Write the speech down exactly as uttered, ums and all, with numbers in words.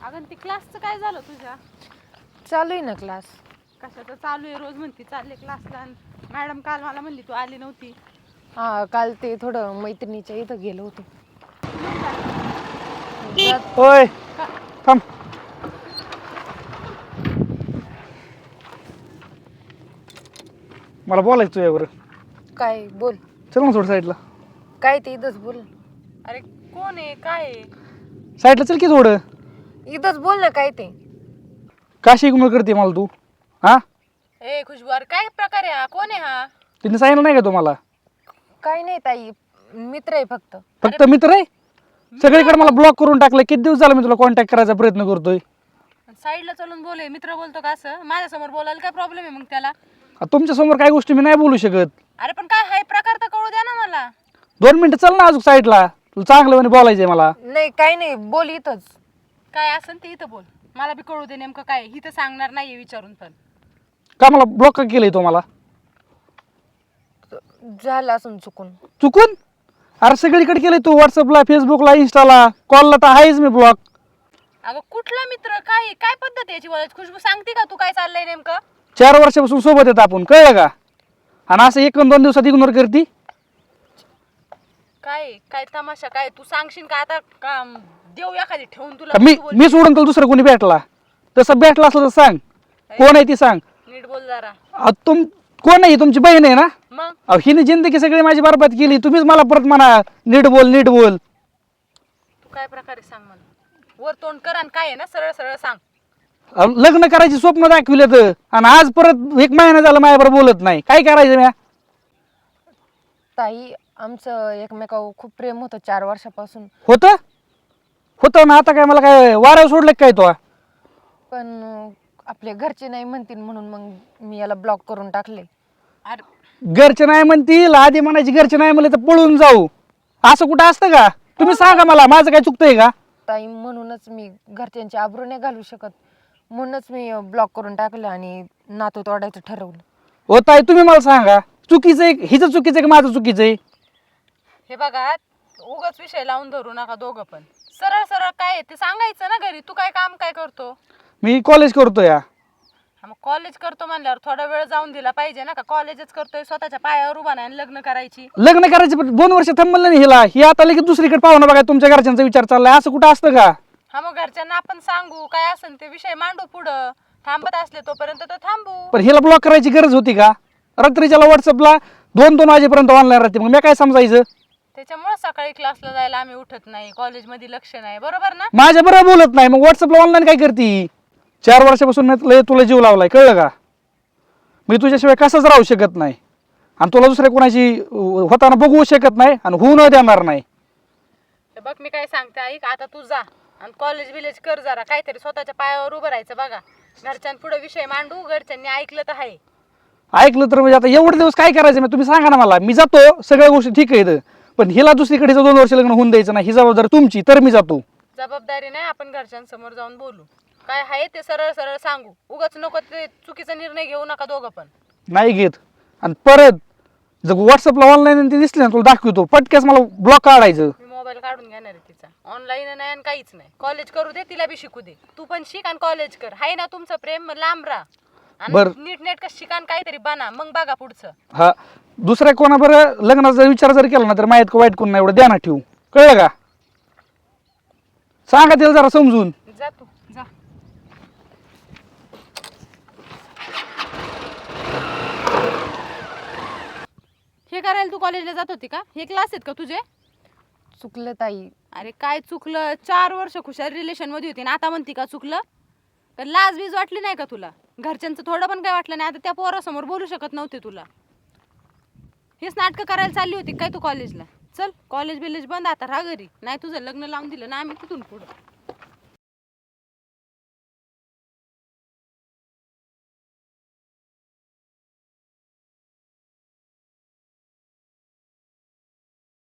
अगं ती क्लासचं काय झालं तुझ्या? चालू आहे ना क्लास. कशाचं चालू आहे? रोज म्हणती चालले क्लासला. मॅडम काल मला म्हणली तू आली नव्हती. हा, काल ते थोडं मैत्रिणीच्या इथं गेलो होतो. जात- होय थांब. मला बोलायचं तुझ्यावर. काय बोल. चल ना थोडं साईडला. काय ते इथंच बोल. अरे कोण आहे काय आहे? साईडला चल की थोडं. इथंच बोल ना काय ते. का शिकमळ करते मला तू? हा, ए खुशबू, अरे काय प्रकार आहे हा? कोण आहे हा? तिने सांगितलं नाही का तुम्हाला? काय नाही ताई, मित्र आहे फक्त. फक्त मित्र आहे. सगळीकडे मला ब्लॉक करून टाकलं. किती दिवस झाला मी तुला कॉन्टॅक्ट करायचा प्रयत्न करतोय. साईडला चलून बोले, मित्र बोलतो का असं? माझ्यासमोर बोलायला काय प्रॉब्लेम आहे मग त्याला? तुमच्या समोर काही गोष्टी मी नाही बोलू शकत. अरे पण काय हाय प्रकार तर कळू द्या ना मला. दोन मिनिटं चल ना अजून साईडला. तुला चांगलं म्हणे बोलायचंय मला. नाही काय नाही, बोल इथंच. काय असेल ते इथं बोल. मला बी कळू दे नेमकं काय. ही तर सांगणार नाहीये विचारून पण. का मला ब्लॉक का केलंय तो मला? झालं असून चुकून. चुकून? अरे सगळीकडे केलंय तू. व्हॉट्सअपला, फेसबुकला, इंस्टाला, कॉलला तर आहेच मी ब्लॉक. अगं कुठला मित्र? काय काय पद्धत आहे याची बोलायची? खुशबू सांगते का तू काय चाललंय नेमकं? चार वर्षापासून सोबत येत आपण, कळलं का? आणि असं एक दोन दिवसात इग्नोर करती. काय काय तमाशा काय? तू सांगशील का आता का देऊ एखादी ठेवून तुला? मी तू बोल. मी सोडून तुला दुसरं कोणी भेटला तसं भेटला असलं तर सांग. कोण आहे ती सांग. नीट बोल जरा. अहो, तुम कोण आहे? तुमची बहीण आहे ना? मग अहो, हिने जिंदगी सगळी माझी बरबाद केली. तुम्हीच मला परत म्हणा नीट बोल नीट बोल. तू काय प्रकारे सांग मला. वर तोंड कर आणि काय आहे ना सरळ सरळ सांग. अहो, लग्न करायची स्वप्न दाखविले तर आणि आज परत एक महिना झाला माझ्याबरोबर बोलत नाही. काय करायचं म्या? ताई, आमचं एकमेकावर खूप प्रेम होतं चार वर्षापासून. होतं होतं ना. आता काय मला काय वाऱ्यावर सोडलं काय तो? पण अं, आपले घरचे नाही म्हणतील म्हणून मग मी याला ब्लॉक करून टाकले. अरे घरचे नाही म्हणतील आधी म्हणायची. घरचे नाही म्हणले तर पळून जाऊ. असं कुठं असतं का? तुम्ही सांगा मला, माझं काय चुकतंय का? ताई, म्हणूनच मी घरच्यांची आबरू नाही घालू शकत. म्हणूनच मी ब्लॉक करून टाकलं आणि नातू तोडायचं ठरवलं. होत आहे. तुम्ही मला सांगा चुकीचं आहे हिचं चुकीचं आहे का माझं चुकीचं आहे? हे बघा, उगाच विषय लावून धरू नका दोघं पण. सरळ सरळ काय आहे ते सांगायचं ना घरी. तू काय काम काय करतो? मी कॉलेज करतो या. हा, मग कॉलेज करतो म्हणल्यावर थोडा वेळ जाऊन दिला पाहिजे ना. का कॉलेजच करतोय स्वतःच्या पायावर उभा नाही आणि लग्न करायची? लग्न करायचं पण दोन वर्ष थांबलं नाही हिला. ही आता लगेच दुसरीकडे पाहुणा बघा. तुमच्या घरच्यांचा विचार चाललाय. असं कुठं असतं का? हा, मग घरच्यांना आपण सांगू काय असेल ते विषय मांडू पुढं. थांबत असले तोपर्यंत तर थांबू. पण हिला ब्लॉक करायची गरज होती का? रात्रीच्याला व्हॉट्सअपला दोन दोन वाजेपर्यंत ऑनलाईन राहते. मग मी काय समजायचं? त्याच्यामुळे सकाळी क्लासला जायला आम्ही उठत नाही. कॉलेजमध्ये लक्ष नाही. बरोबर ना? माझ्या बरोबर बोलत नाही. मग व्हॉट्सअपला ऑनलाईन काय करते? चार वर्षापासून मी लय तुला जीव लावलाय, कळलं का? मी तुझ्याशिवाय कसंच राहू शकत नाही. आणि तुला दुसऱ्या कोणाची अं, होताना बघू शकत नाही आणि होऊ न देणार नाही. तर बघ मी काय सांगते ऐक. आता तू जा आणि कॉलेज बिलेज कर जरा. काहीतरी स्वतःच्या पायावर उभं राहायचं बघा. घरच्यांपुढे विषय मांडू. घरच्यांनी ऐकलं तर आहे. ऐकलं तर म्हणजे आता एवढे दिवस काय करायचं? मग तुम्ही सांगा ना मला. मी जातो, सगळ्या गोष्टी ठीक आहेत. पण हिला दुसरीकडे दोन वर्ष लग्न होऊन द्यायचं नाही. ही जबाबदारी तुमची. तर मी जातो. जबाबदारी नाही. आपण घरच्यांसमोर जाऊन बोलू. काय आहे ते सरळ सरळ सांगू. उगाच नको ते चुकीचा निर्णय घेऊ नका दोघं पण. नाही घेत. आणि परत जर व्हॉट्सअपला ऑनलाईन ते दिसले ना तुला दाखवतो पटकेस मला ब्लॉक काढायचं. मी मोबाईल काढून घेणार आहे तिचा. ऑनलाईन नाही आणि काहीच नाही. कॉलेज करू दे, तिला बी शिकू दे. तू पण शिक आणि कॉलेज कर. हाय ना तुमचं प्रेम? मग लांब राहा बर. आणि नीट नेटकं शिकान काहीतरी बना. मग बघा पुढचं. हा, दुसऱ्या कोणाबरोबर लग्नाचा विचार जर केला ना तर माहीत का वाईट कोण नाही एवढं ध्यानात ठेवू, कळलं का? सांगा तिला जरा समजून. जा तू जा. हे करायला तू कॉलेजला जात होती का? हे क्लास आहेत का तुझे? चुकलं ताई. अरे काय चुकलं? चार वर्ष खुशाल रिलेशन मध्ये होती ना आता म्हणती का चुकलं? तर लाज बीज वाटली नाही का तुला? घरच्यांचं थोडं पण काय वाटलं नाही? आता त्या पोरासमोर बोलू शकत नव्हते तुला. हेच नाटकं करायला चालली होती काय तू कॉलेजला? चल कॉलेज बिलेज बंद आता, राहा घरी. नाही तुझं लग्न लावून दिलं ना आम्ही तिथून पुढं.